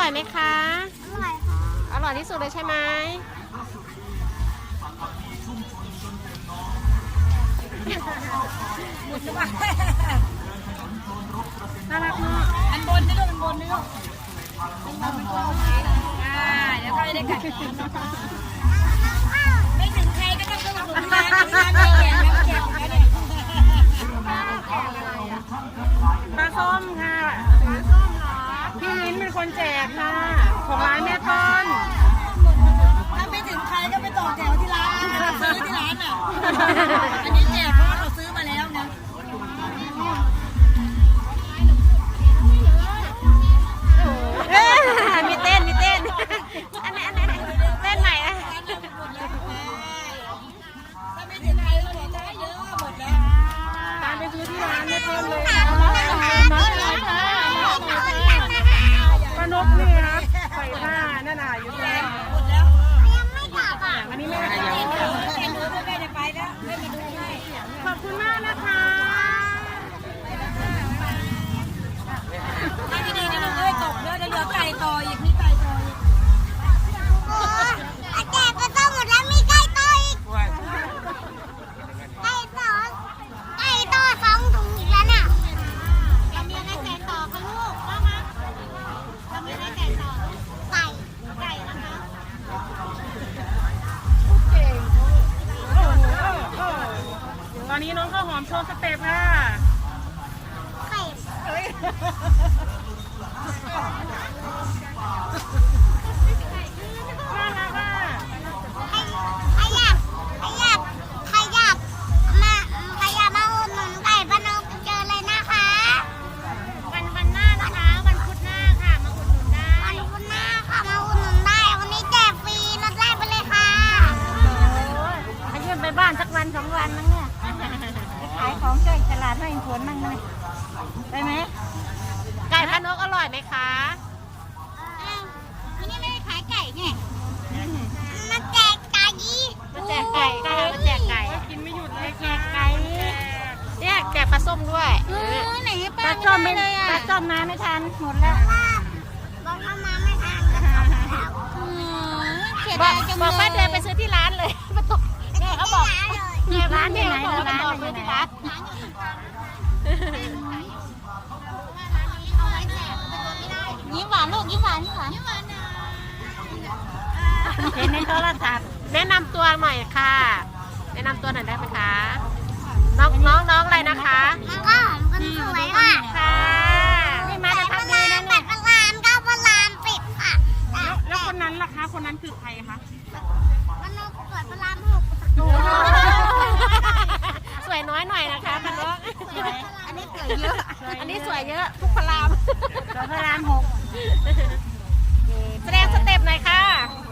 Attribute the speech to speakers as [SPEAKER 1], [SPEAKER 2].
[SPEAKER 1] ร่อยไหมคะ
[SPEAKER 2] อร่อยค่ะ
[SPEAKER 1] อร่อยที่สุดเลยใช่ไหมน่ารักมากอันบนนี่ลูกอันบนนี่ลูกเดี๋ยวก็ได้กัดไม่ถึงใครก็ต้องต้องดูร้านแก่ปลาส้มค่ะปลาส้มเหรอพี่ลิ้นเป็นคนแจกค่ะของร้านแม่ต้นถ้าไม่ถึงใครก็ไปต่อแถวที่ร้านซื้อที่ร้านอ่ะอันนี้แจกเพราะว่าเราซื้อมาแล้วนะมีเต้นอันไหนเต้นใหม่อะถ้าไม่ถึงใครก็บอกได้เยอะหมดแล้วตามไปซื้อที่ร้านไม่เพิ่มเลยปลานกนี่ครับใส่ผ้านั่นน่ะอยู่แล้วหมดแล้วยังไม่กลับอ่ะวันนี้ไม่ได้ไปแล้วขอบคุณมากนะคะไม่ดีนะลูกเอ้ยตกเยอะจะเหลือไก่ต่ออีกมีไก่ต่ออีก
[SPEAKER 2] แจกก็ต้องหมดแล้วมีไก่ต่ออีกไก่ต่อ2 ถุงอีกแล้วเนี่ยทำยังไงไก่ต่อคะลูกว่ามาทำยังไงไก่ต่อไก่นะคะ
[SPEAKER 1] เก่งตอนนี้น้องข้าวหอมโชว์สเต็ปค่ะ
[SPEAKER 2] ไข่
[SPEAKER 1] น่ารักอ่ะ
[SPEAKER 2] ใครอยากมาอุดหนุนไก่ป้านกเจอเลยนะคะวันหน้านะคะวันพุธหน้าค่ะมาอุดหนุนได้วันพุธหน้าค่ะมาอุดหนุนได้วันนี้แจกฟรีลดแรกไปเลยค่ะ
[SPEAKER 1] ไปเยี่ยมไปบ้านสักวัน2 วันมั้งเนี่ยขายของใกล้ตลาดให้ผลมั่งเลยได้ไหมไก่พะนกอร่อยไหมคะ
[SPEAKER 2] วันนี้ไม่ได้ขายไก่ไงมาแจกไก่
[SPEAKER 1] มาแจกไก่ค่ะมาแจกไก่กินไม่หยุดเลยแจกไก่เนี่ยแจกปลาส้มด้วย
[SPEAKER 2] ไหน
[SPEAKER 1] ปลาส้มไม่เลยปลาส้มมาไม่ทันหมดแล้ว
[SPEAKER 2] บอกเข้ามาไม่ทัน
[SPEAKER 1] บอกว่าเดินไปซื้อที่ร้านเลยมาตกเนี่ยเขาบอกเนี่ยร้านที่ไหนร้านอยู่ที่ร้าน
[SPEAKER 2] ยิ้มหวานลูกยิ้มหวาน
[SPEAKER 1] เห็นในโทรศัพท์แนะนำตัวหน่อยค่ะแนะนำตัวหน่อยได้ไหมคะน้องอะไรนะคะ
[SPEAKER 2] น้องก็หอมคนสวยค่ะ
[SPEAKER 1] นี่มาจะทำดีนะ
[SPEAKER 2] เนี่ย8 พระราม 9 พระราม 10ค่ะ
[SPEAKER 1] แล้วคนนั้นล่ะคะคนนั้นคือใครคะ
[SPEAKER 2] พนกสวยพระราม
[SPEAKER 1] 6สวยน้อยหน่อยนะคะพนก
[SPEAKER 2] อันนี้สวยเยอะ
[SPEAKER 1] ทุกพระราม
[SPEAKER 2] พระราม 6
[SPEAKER 1] แสดงสเต็ปหน่อยค่ะ